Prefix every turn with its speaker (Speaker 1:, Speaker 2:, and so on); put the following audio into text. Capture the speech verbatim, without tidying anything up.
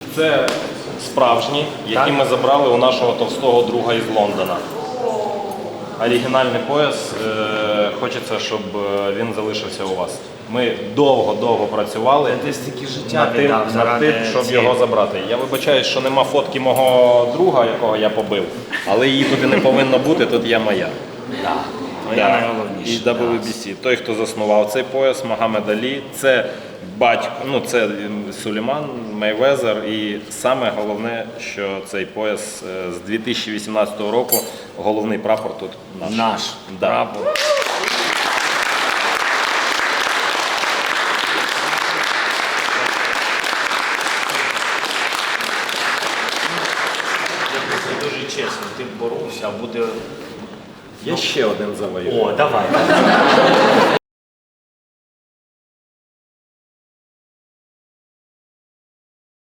Speaker 1: Це справжні, які
Speaker 2: Так.
Speaker 1: ми забрали у нашого товстого друга із Лондона. Оригінальний пояс. Е, хочеться, щоб він залишився у вас. Ми довго-довго працювали
Speaker 2: Ти стільки життя
Speaker 1: над тим,
Speaker 2: віддав
Speaker 1: над
Speaker 2: заради
Speaker 1: тим, щоб
Speaker 2: цієї.
Speaker 1: його забрати. Я вибачаюсь, що нема фотки мого друга, якого я побив, але її туди не повинно бути, тут є моя.
Speaker 2: Да. Твоя
Speaker 1: Да.
Speaker 2: найголовніша.
Speaker 1: І дабл ю бі сі. Той, хто заснував цей пояс, Магомед Алі, це батько, ну це Сулейман, Мейвезер. І саме головне, що цей пояс е, з дві тисячі вісімнадцятого року, головний прапор тут наш.
Speaker 2: Наш
Speaker 1: Да.
Speaker 2: прапор. Це дуже чесно, ти боровся, а буде...
Speaker 1: Я ще один завоюю.
Speaker 2: О, давай.